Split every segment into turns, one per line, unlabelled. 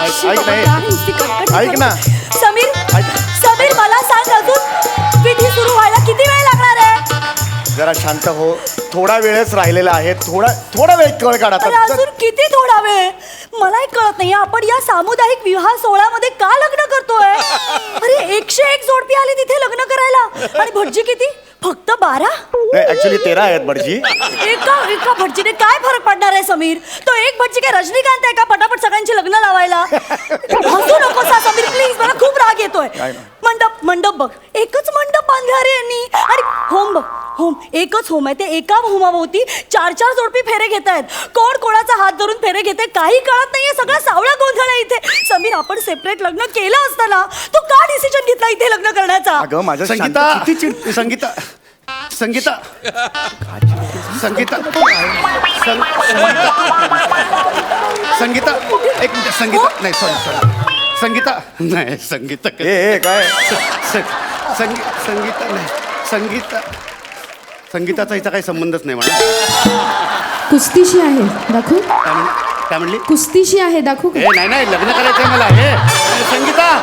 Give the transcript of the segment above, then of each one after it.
ऐक नाही, ऐक ना.
समीर समीर मला सांग अजून विधी सुरू व्हायला किती वेळ लागणार आहे?
जरा शांत हो, थोडा वेळच राहिलेला आहे. थोडा वेळ कळ काढ
अरे
आता.
अजून किती थोडा वेळ? मला एक कळत नाही आपण या सामुदायिक विवाह सोहळ्यामध्ये का लग्न करतोय? अरे 101 जोडपी आली तिथे लग्न करायला आणि भटजी किती? फक्त 12?
नाही, ऍक्च्युली 13 आहेत भटजी.
एका भटजीने काय फरक पडणार आहे समीर? तो एक भटजी काय रजनीकांत आहे का पटापट सगळ्यांची लग्न लावायला? हसू नकोस हा समीर प्लीज, मला खूप राग येतोय. मंडप बघ, एकच मंडप बांधला रे यांनी. आणि होम बघ, होम एकच होम आहे. ते एका होमाभोवती 4-4 जोडपी फेरे घेत आहेत. कोण कोणाचा हात धरून फेरे घेते काही कळत नाहीये. सगळा सावळा गोंधळ आहे इथे. समीर आपण सेपरेट लग्न केलं असतं ना, तू का डिसिजन घेतला इथे लग्न करण्याचा?
अगं माझं
संगीता
शांत- किती चिड-
संगीता संगीता संगीता संगीता एक मिनिट संगीता नाही सॉरी संगीता नाही संगीता
ए काय
संगीता नाही संगीताचा हिचा काही संबंधच नाही म्हणा.
कुस्तीशी आहे दाखवू?
काय म्हणली?
कुस्तीशी आहे दाखवू का?
हे नाही लग्न करायचंय मला. हे संगीता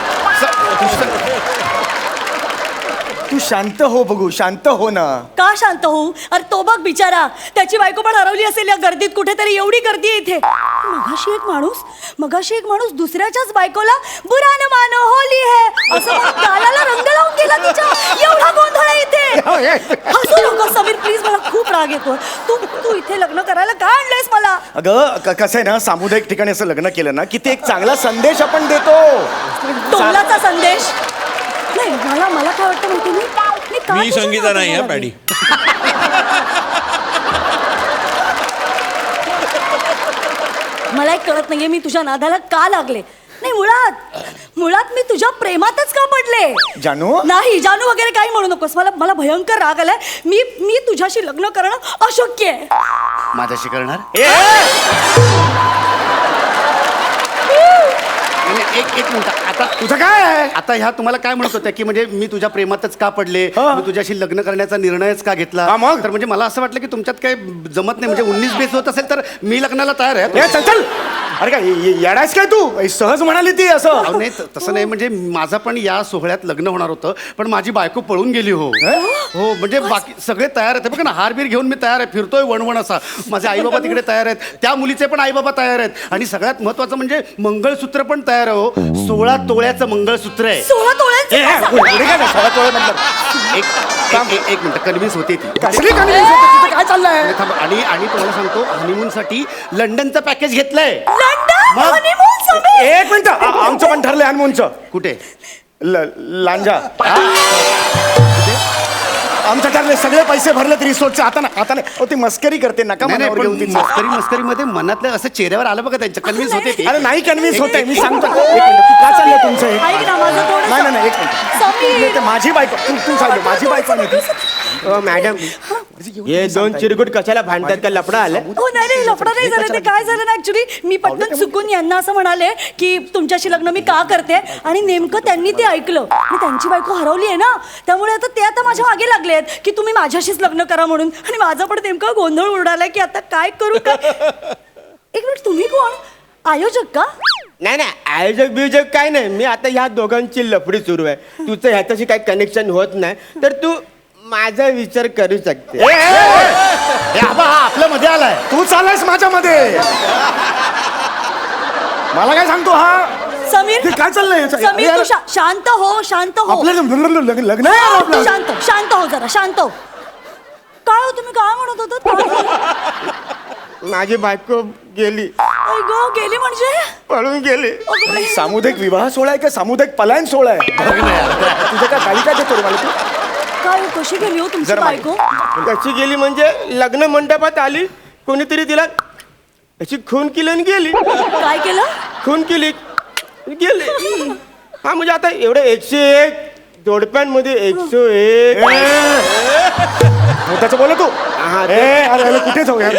तू शांत हो बघू, शांत हो ना.
का शांत होऊ? अरे तो बघ बिचारा, त्याची बायको पण हरवली असेल या गर्दीत कुठेतरी. एवढी गर्दी आहे इथे. मगाशी एक माणूस दुसऱ्याच्याच बायकोला बुरा न मानो होली है असं म्हणून गालाला रंग लावून गेला तिच्या. एवढा गोंधळ आहे इथे. हसू नको समीर प्लीज, मला खूप राग येतो. तू इथे लग्न करायला का आणलंयस मला?
अगं कसं आहे ना, सामुदायिक ठिकाणी असं लग्न केलं ना की ते एक चांगला संदेश आपण देतो.
टोलाचा संदेश नाही. मला काय वाटतं माहिती
मी संगीता नाही आहे पॅडी.
मला एक कळत नाहीये मी तुझ्या नादाला का लागले. नाही मुळात मी तुझ्या प्रेमातच का पडले.
जानू
नाही जानू वगैरे काही म्हणू नकोस. मला भयंकर राग आलाय. मी तुझ्याशी लग्न करणं अशक्य आहे.
माझ्याशी करणार? एक मिनिट आता
तुझं काय आहे?
आता ह्या तुम्हाला काय म्हणत होत्या की म्हणजे मी तुझ्या प्रेमातच का पडले, मी तुझ्याशी लग्न करण्याचा निर्णयच का घेतला?
मग?
तर म्हणजे मला असं वाटलं की तुमच्यात काही जमत नाही. म्हणजे 19 बेस होत असेल तर मी लग्नाला तयार आहे.
ए, चल अरे काय येडायस काय तू? सहज म्हणाली ती असं.
अहो, नाही तसं नाही. म्हणजे माझं पण या सोहळ्यात लग्न होणार होतं पण माझी बायको पळून गेली. हो म्हणजे बाकी सगळे तयार आहेत. बघा ना, हारबीर घेऊन मी तयार आहे, फिरतोय वणवण असा. माझे आईबाबा तिकडे तयार आहेत, त्या मुलीचे पण आईबाबा तयार आहेत आणि सगळ्यात महत्वाचं म्हणजे मंगळसूत्र पण तयार आहे. हो 16 तोळ्याचं मंगळसूत्र आहे.
16 तोळ्यांचं
एक मिनिट कन्व्हिन्स होते ती.
काय चाललंय?
आणि तुम्हाला सांगतो हनीमून साठी लंडनचं पॅकेज घेतलंय.
लंडन
मग?
हनीमून समीर?
एक मिनिट, आमचं पण ठरलंय हनुमूनचं.
कुठे?
लांजा. आमचं ठरले, सगळे पैसे भरले तरी रिसोर्टचे. आता नाही. ती मस्करी करते, नका मनावर घेऊन ती.
मस्करीमध्ये मनातलं असं चेहऱ्यावर आलं बघा त्यांच्या. कन्व्हिन्स होते ती.
अरे नाही कन्व्हिन्स होते, मी सांगतो. एक मिनिट, तू काय चाललंय तुमचं हे?
ऐक ना माझं थोडं.
नाही एक
समीर.
मिनिट. माझी बायको तू सांग. माझी बायको नाही ती.
मॅडम हे 2 चिरकुट कशाला भांडतात का? लफडा आलं?
हो नाही लफडा नाही झालं. ते काय झालं ना ऍक्च्युली मी पटकन चुकून यांना असं म्हणाले की तुमच्याशी लग्न मी का करते आणि नेमकं त्यांनी ते ऐकलं आणि त्यांची बायको हरवली आहे ना, त्यामुळे आता ते माझ्या मागे लागलेत की तुम्ही माझ्याशीच लग्न करा म्हणून. आणि माझं पण नेमकं गोंधळ उडालाय की आता काय करू काय. एक मिनिट, तुम्ही कोण? आयोजक का?
नाही आयोजक बियोजक काय नाही. मी आता ह्या दोघांची लफडी सुरू आहे. तुझं ह्याच्याशी काही कनेक्शन होत नाही तर तू माझा विचार करू शकते.
हा आपल्या मध्ये आलाय.
तू चाललायस माझ्यामध्ये. मला काय सांगतो हा?
समीर
ते काय चाललंय याचं?
समीर
अरे,
तू शांत हो.
आपलं लग्न आहे यार आपलं.
शांत हो जरा, शांत हो. काय हो तुम्ही काय म्हणत होता?
माझी बायको गेली.
गेली म्हणजे?
पळून गेली.
अगं बाई.
सामुदायिक विवाह सोहळा आहे का सामुदायिक पलायन सोहळा आहे? तुझं काय गाडी काय देतो रे मला तू?
काय हो, कशी गेली हो तुमची
जरा
बायको?
कशी गेली म्हणजे लग्न मंडपात आली, कोणीतरी तिला अशी खून केली आणि गेली.
काय केलं?
खून केली गेली. हा म्हणजे आता एवढे 101 जोडप्यांमध्ये 101.
त्याचं बोल तू.
हा,
अरे कुठे जाऊ यार?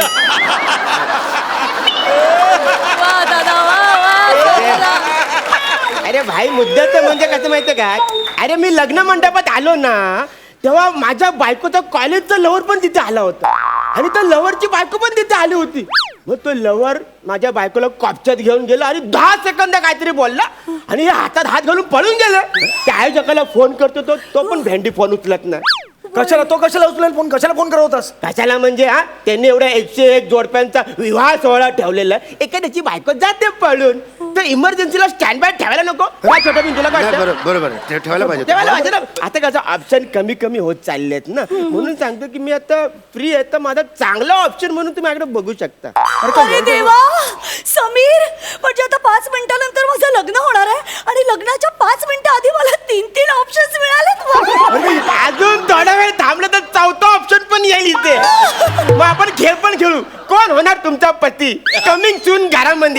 वा दादा वा.
अरे भाई मुद्द्याचं म्हणजे कसं माहितीये का? अरे मी लग्न मंडपात आलो ना तेव्हा माझ्या बायकोचा कॉलेजचा लवर पण तिथे आला होता आणि त्या लवरची बायको पण तिथे आली होती. मग तो लवर माझ्या बायकोला कॉपच्यात घेऊन गेला आणि 10 सेकंद काहीतरी बोलला आणि हे हातात हात घालून पळून गेलं. त्या आयोजकाला फोन करतो तो पण भेंडी फोन उचलत नाही.
कशाला उचलेल फोन, कशाला फोन करत होतास?
कशाला म्हणजे हा त्यांनी एवढ्या 101 जोडप्यांचा विवाह सोहळा ठेवलेला, एखाद्याची बायको जाते पळून, तर इमर्जन्सीला स्टँड बाय ठेवायला नको काय छोटा मी तुला काय
नाही,
वाटतं?
बरोबर आहे. ठेवायला पाहिजे.
ठेवायला पाहिजे ना. आता कसं ऑप्शन कमी कमी होत चाललेत ना, म्हणून सांगतो की मी आता फ्री आहे, तर माझा चांगला ऑप्शन म्हणून तुम्ही माझ्याकडे बघू शकता.
अरे देवा समीर, म्हणजे आता 5 मिनिटानंतर माझं लग्न होणार आहे आणि लग्नाच्या 5 मिनिटं आधी मला 3 ऑप्शन्स मिळालेत.
अजून थोडा वेळ थांबलं तर 4था ऑप्शन पण येईल इथे. मग आपण खेळ पण खेळू. कोण होणार तुमचा पती? कमिंग सून घरामध्ये.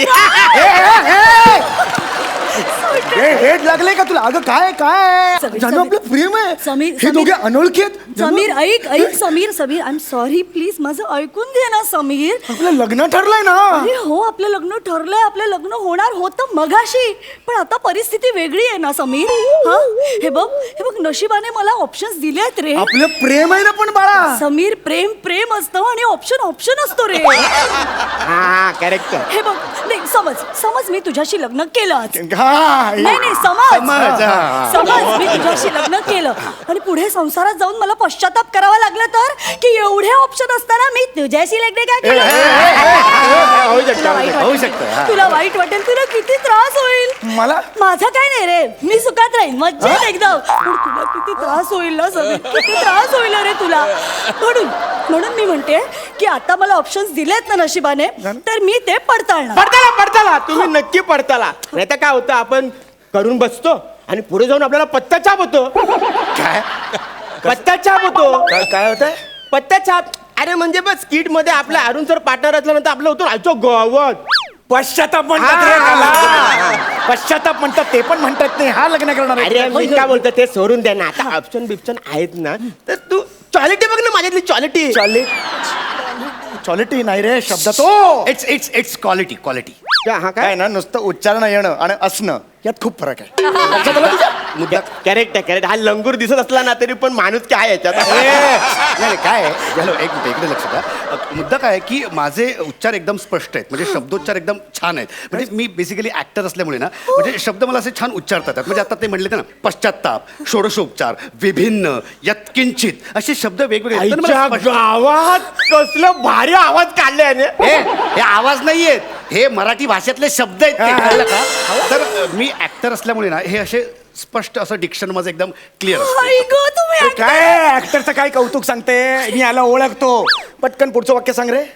हेड लागले का तुला? अगं काय काय
समीर,
जानू आपलं प्रेम आहे.
समीर,
हे दोघे अनोळखी आहेत.
समीर ऐक Sameer I am sorry, please माझं ऐकून घे ना समीर.
आपलं लग्न ठरलंय ना.
अरे हो, आपलं लग्न ठरलंय, आपलं लग्न होणार होतं मगाशी, पण आता परिस्थिती वेगळी आहे ना समीर. हा हे बघ नशिबाने मला ऑप्शन्स दिले आहेत रे.
आपलं प्रेम आहे ना पण बाळा.
समीर, प्रेम असतं आणि ऑप्शन असतो रे.
हा करेक्ट.
हे बघ, नाही समज मी तुझ्याशी लग्न केलं आज.
हा,
नाही समज मी तुझ्याशी लग्न केलं आणि पुढे संसारात जाऊन मला पश्चाताप करावा लागला तर, की एवढे ऑप्शन असताना मी तुझ्याशी लग्न काय केलं? तुला वाईट
होऊ
वाटेल.
शकतं, हा.
तुला वाईट वाटेल, तुला किती त्रास होईल.
मला
माझं काय नाही रे, मी सुखात राहीन मज्जेत एकदम, पण तुला किती त्रास होईल ना समीर, किती त्रास होईल रे तुला. म्हणून मी म्हणते की आता मला ऑप्शन्स दिलेत ना नशिबाने, तर मी ते पडताळणार.
पडताला तुम्ही नक्की पडताला. नाही तर काय होतं, आपण करून बसतो आणि पुढे जाऊन आपल्याला पत्ताछाप होतो.
काय
पत्ताछाप होतो.
काय होतंय?
पत्ताछाप. अरे म्हणजे बस किट मध्ये आपला अरुण सर पार्टनर असल्यानंतर आपलं होतं आजो गोवत.
पश्चाताप म्हणतात रे त्याला. पश्चाताप म्हणतात, ते पण म्हणतात नाही हा लग्न करणार आहे.
अरे मी काय बोलतो ते सोडून द्या ना. आता ऑप्शन बिप्शन आहेत ना, तर तू क्वालिटी बघ ना, माझ्यातली क्वालिटी.
क्वालिटी नाही रे शब्द तो.
It's quality.
हा
काय
काय
ना, नुसतं उच्चारण येणं आणि असणं यात खूप फरक आहे. लक्षात आलं तुझ्या?
मुद्दा करेक्ट. हा लंगूर दिसत असला ना तरी पण माणूस काय याच्यात.
नाही काय आहे, झालं एक मिनिट इकडे लक्ष द्या. मुद्दा काय आहे की माझे उच्चार एकदम स्पष्ट आहेत, म्हणजे शब्दोच्चार एकदम छान आहेत. म्हणजे मी बेसिकली ऍक्टर असल्यामुळे ना, म्हणजे शब्द मला असे छान उच्चारता येतात. म्हणजे आता ते म्हणले ना, पश्चाताप, षोडशोपचार, विभिन्न, यत्किंचित असे शब्द वेगवेगळे आहेत. तर मला
आईच्या
स्पष्ट-
गावात कसलं भारी आवाज काढले याने.
हे आवाज नाहीयेत, हे मराठी भाषेतले शब्द आहेत ते, कळलं का? तर मी ऍक्टर असल्यामुळे ना, हे असे स्पष्ट असं डिक्शन माझं एकदम क्लिअर
आई गं, तुम्ही
अरे काय ऍक्टरचं काय कौतुक सांगते. मी याला ओळखतो. पटकन पुढचं वाक्य सांग रे.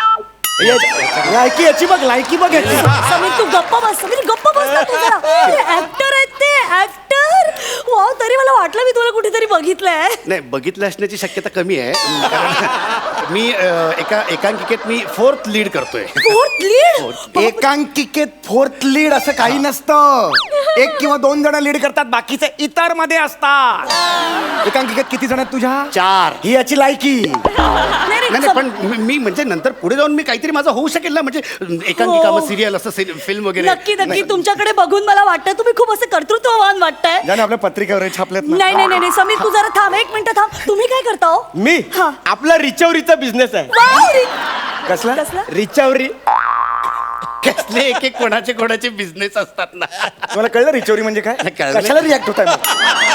लायकी बघ याची.
समीर तू गप्प बस, समीर गप्प बस ना तू जरा. ऍक्टर आहेत ते, ऍक्टर. वाव, तरी मला वाटलं मी तुला कुठेतरी बघितलंय.
नाही, बघितलं असण्याची शक्यता कमी आहे. कारण मी एका एकांकिकेत मी 4th लीड करतोय.
Fourth lead.
एकांकिकेत 4th लीड असं काही नसतं. 1 किंवा 2 जण लीड करतात, बाकीचे इतर मध्ये असतात. एकांकिकेत किती जण आहेत तुझ्या?
4.
ही याची लायकी.
नाही पण मी म्हणजे नंतर पुढे जाऊन मी काहीतरी माझं होऊ शकेल ना, म्हणजे एकांकिका, मग सिरियल, असं फिल्म वगैरे.
नक्की तुमच्याकडे बघून मला वाटतं तुम्ही खूप असं कर्तृत्ववान वाटतंय.
ज्याने आपल्या पत्रिकेवर छापल्यात ना.
नाही समीर तू जरा थांब, 1 मिनिट थांब. तुम्ही काय करता हो?
मी
हा.
आपला रिचवरीचा बिझनेस आहे.
वाव,
कसला?
रिचवरी.
कसले एक कोणाचे बिझनेस असतात ना.
तुम्हाला कळलं रिचोरी म्हणजे काय?
कळलं.
कशाला रिॲक्ट होताय मग?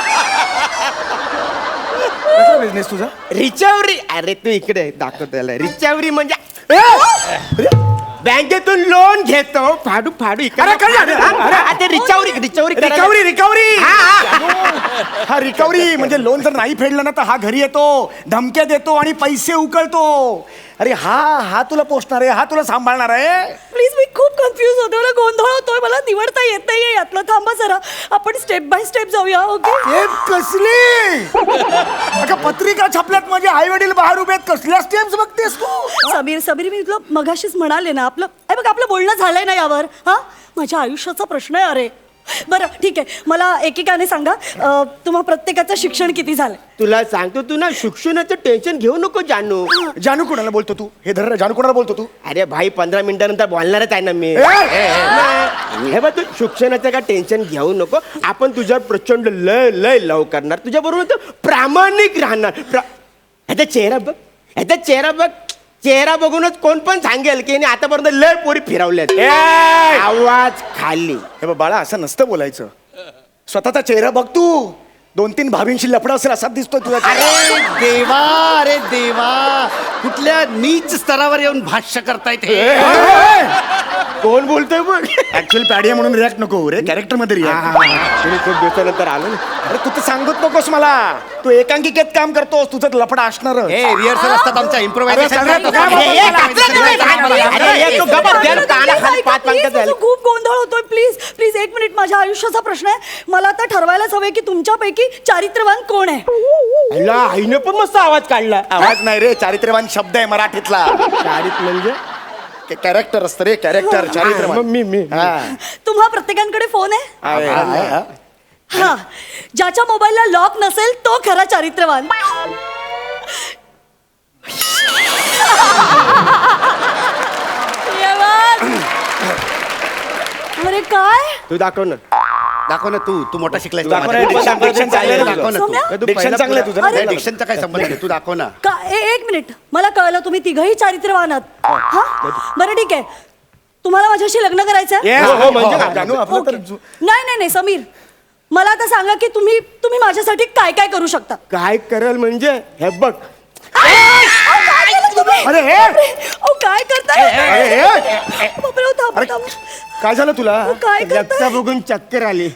कसला बिझनेस तुझा?
रिचवरी. अरे तू इकडे दाखव त्याला. रिचवरी म्हणजे
अरे,
बँकेतून लोन घेतो फाडू इकडे.
अरे, काय झालं?
अरे रिचवरी
रिकव्हरी. हा रिकव्हरी म्हणजे लोन जर नाही फेडलं ना, तर हा घरी येतो, धमक्या देतो आणि पैसे उकळतो. अरे हा तुला पोचणार आहे, हा तुला सांभाळणार आहे.
प्लीज, मी खूप कन्फ्युज होते, मला गोंधळ होतोय, मला निवडता येत नाहीये यातलं. थांबा जरा, आपण स्टेप बाय स्टेप जाऊया. ओके.
हे कसली अगं पत्रिका छापल्यात, माझे आई वडील बाहेर उभे आहेत, कसल्या स्टेप्स बघतेस तू?
समीर मी तुला मगाशीच म्हणाले ना, आपलं बोलणं झालंय ना यावर. हा माझ्या आयुष्याचा प्रश्न आहे. अरे बरं ठीक आहे, मला एकेकाने सांगा, तुम्हा प्रत्येकाचं शिक्षण किती झालंय?
तुला सांगतो, तू ना शिक्षणाचं टेन्शन घेऊ नको जानू.
जानू कोणाला बोलतो तू? हे धर, जानू कोणाला बोलतो तू?
अरे भाई 15 मिनिटानंतर बोलणारच आहे ना मी. हे बघ, तू शिक्षणाचं काय टेन्शन घेऊ नको. आपण तुझ्यावर प्रचंड लय लव करणार, तुझ्या बरोबर प्रामाणिक राहणार. ह्याचा चेहरा बघ. चेहरा बघूनच कोण पण सांगेल की हिने आतापर्यंत लय पोरी फिरवल्यात.
ए!
आवाज खाली.
हे बघ बाळा, असं नसतं बोलायचं. स्वतःचा चेहरा बघ तू. 2-3 भाभींशी लफडा असेल असाच दिसतोय तुझा चेहरा.
अरे देवा कुठल्या नीच स्तरावर येऊन भाष्य करतायत हे.
कोण बोलतोय बघ.
ऍक्च्युअली पॅडिया म्हणून रिॲक्ट नको रे, कॅरेक्टर मध्ये रिॲक्ट.
तुम्ही खूप दिवसानंतर आलो ना.
अरे तू तर सांगत नकोस मला. तू एकांकिकेत काम करतोस, तुझं लफडा असणार.
हे रिहर्सल असतात आमच्या
अरे,
इम्प्रोव्हायझेशन.
सगळ्यात तो काय
हे, हे, कचरा नाही, नाही, अरे, हे, तू गप्प बस. त्याला कानाखाली पाच पंकज झाले.
खूप गोंधळ होतोय. प्लीज प्लीज एक मिनिट. माझ्या आयुष्याचा प्रश्न आहे. मला आता ठरवायलाच हवंय की तुमच्यापैकी चारित्र्यवान कोण आहे.
अल्ला, आईने पण मस्त आवाज काढला.
आवाज नाही रे, चारित्र्यवान शब्द आहे मराठीतला.
चारित म्हणजे
कॅरेक्टर असतं रे, कॅरेक्टर. चारित्र्यवान.
मी
हा.
तुम्हा प्रत्येकांकडे फोन आहे.
आहे.
हा, ज्याच्या मोबाईलला लॉक नसेल तो खरा चारित्र्यवान. अरे काय
तू दाखव ना.
दाखव ना तू मोठा शिकलाय.
दाखव ना, diction चांगलं आहे
दाखव ना
सौम्या?
तू.
Diction चांगलं आहे तुझं ना.
अरे,
डिक्शनचा काय संबंध आहे? तू दाखव ना.
एक मिनिट. मला कळलं तुम्ही तिघही चारित्र्यवान आहात. हा बरं ठीक आहे. तुम्हाला माझ्याशी लग्न करायचं
Yes.
हो, म्हणजे काय?
जानू, आपलं तर
नाही समीर, मला आता सांगा की तुम्ही माझ्यासाठी काय काय करू शकता.
काय करेल म्हणजे हे बघ.
काय केलं तुम्ही?
अरे, हे!
अहो, काय करताय?
अरे,
बापरे, अहो, थांबा,
अरे,
थांबा.
काय झालं तुला?
अहो, काय
रक्त
करताय?
बघून चक्कर आली.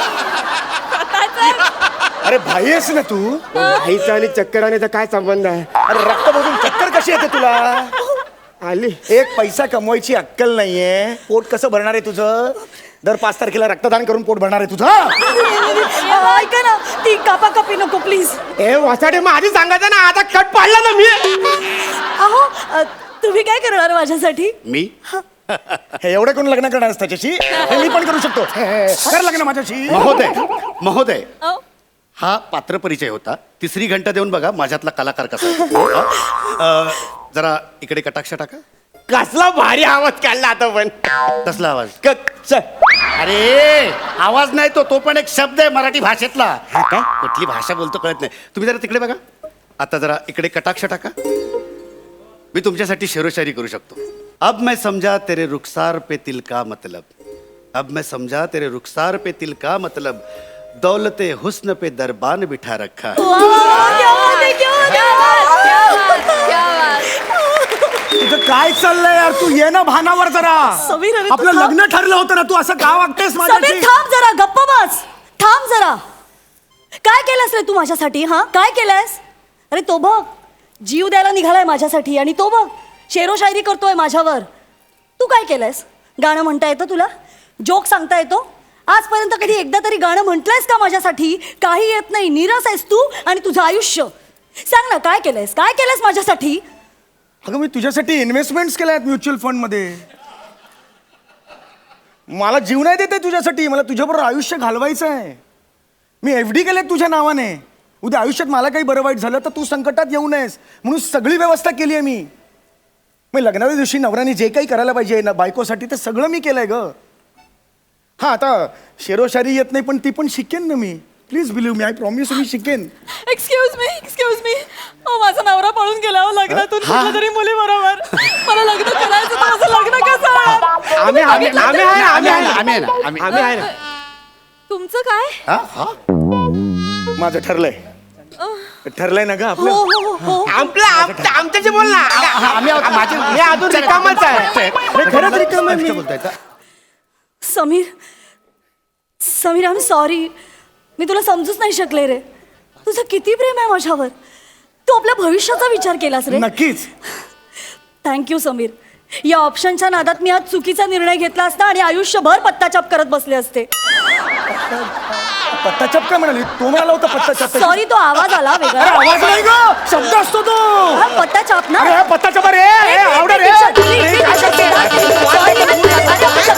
अरे भाई आहेस ना तू?
आईचा आणि चक्कर आण्याचा काय संबंध आहे?
अरे रक्त बघून चक्कर कशी येते तुला?
आली.
एक पैसा कमवायची अक्कल नाहीये. पोट कसं भरणार आहे तुझं? दर 5 तारखेला रक्तदान करून पोट भरणार आहे तुझं?
ऐका ना, ती कापाकापी नको प्लीज.
ए वासाडे, मग आधी सांगायचं ना. आता कट पाडला ना मी.
अहो, तुम्ही काय करणार माझ्यासाठी.
मी
हे एवढे कोण लग्न करणार आहेस त्याच्याशी? हे मी पण करू शकतो. कर लग्न माझ्याशी.
महोदय
अहो,
हा पात्र परिचय होता. 3री घंटा देऊन बघा माझ्यातला कलाकार कसा आहे. जरा इकडे कटाक्ष टाका.
कसला भारी आवाज काढला आता पण.
कसला आवाज?
चल.
अरे आवाज नाही तो पण एक शब्द आहे मराठी भाषेतला. कुठली भाषा बोलतो कळत नाही. तुम्ही जरा तिकडे बघा. आता जरा इकडे कटाक्ष टाका. मी तुमच्यासाठी शेरोशायरी करू शकतो. अब मैं समझा तेरे रुखसार पे तिल का मतलब. अब मैं समझा तेरे रुखसार पे तिल का मतलब. दौलते हुस्न पे दरबान बिठा रखा है.
क्या बात है, क्या बात है.
तुझं काय चाललंय यार? तू ये ना भानावर जरा.
समीर, अरे तू
आपलं
थांब.
लग्न ठरलं होतं ना, तू असं का वागतेस
समीर,
माझ्याशी?
थांब जरा. गप्प बस. थांब जरा. काय केलंस रे तू माझ्यासाठी. हा काय केलंस? अरे तो बघ, जीव द्यायला निघालाय माझ्यासाठी. आणि तो बघ, शेरो शायरी करतोय माझ्यावर. तू काय केलंयस? गाणं म्हणता येतं तुला? जोक सांगता येतो? आजपर्यंत कधी एकदा तरी गाणं म्हटलंयस का माझ्यासाठी? काही येत नाही. नीरस आहेस तू आणि तुझं आयुष्य. सांग ना, काय केलंयस? काय केलंयस माझ्यासाठी?
अगं मी तुझ्यासाठी इन्व्हेस्टमेंट्स केल्या आहेत म्युच्युअल फंड मध्ये. मला जीव नाही देते तुझ्यासाठी. मला तुझ्याबरोबर आयुष्य घालवायचं आहे. मी FD केलेत तुझ्या नावाने. उद्या आयुष्यात मला काही बरं वाईट झालं तर तू संकटात येऊ नयेस म्हणून सगळी व्यवस्था केली आहे मी. मग लग्नाच्या दिवशी नवऱ्याने जे काही करायला पाहिजे ना बायकोसाठी ते सगळं मी केलंय ग. हा, आता शेरोशायरी येत नाही पण ती पण शिकेन ना मी. Please believe me. I promise मी शिकेन.
Excuse me. माझा नवरा पळून गेला लग्नातून कुठल्या तरी मुली बरोबर. मला लग्न करायचं, माझं लग्न कसं होणार?
आम्ही आहे ना.
तुमचं काय?
माझं ठरलंय ना ग आपलं.
हो.
आमच्याशी बोल ना. मी अजून रिकामच आहे. खरंच रिकाम आहे मी.
बोलताय का?
Sameer I am sorry. मी तुला समजूच नाही शकले रे. तुझं किती प्रेम आहे माझ्यावर. तू आपल्या भविष्याचा विचार केलास रे.
नक्कीच.
थँक्यू समीर. या ऑप्शनच्या नादात मी आज चुकीचा निर्णय घेतला असता आणि आयुष्यभर पत्ताचाप करत बसले असते.
पत्ताचाप काय म्हणाली? तो म्हणाला होता पत्ताचाप.
सॉरी, तो आवाज आला
अरे
वेगळा.
आवाज नाही ग, शब्द असतो तो.
हा, पत्ताचाप ना.
अरे पत्ताचाप रे. आवडा रे.
Sorry,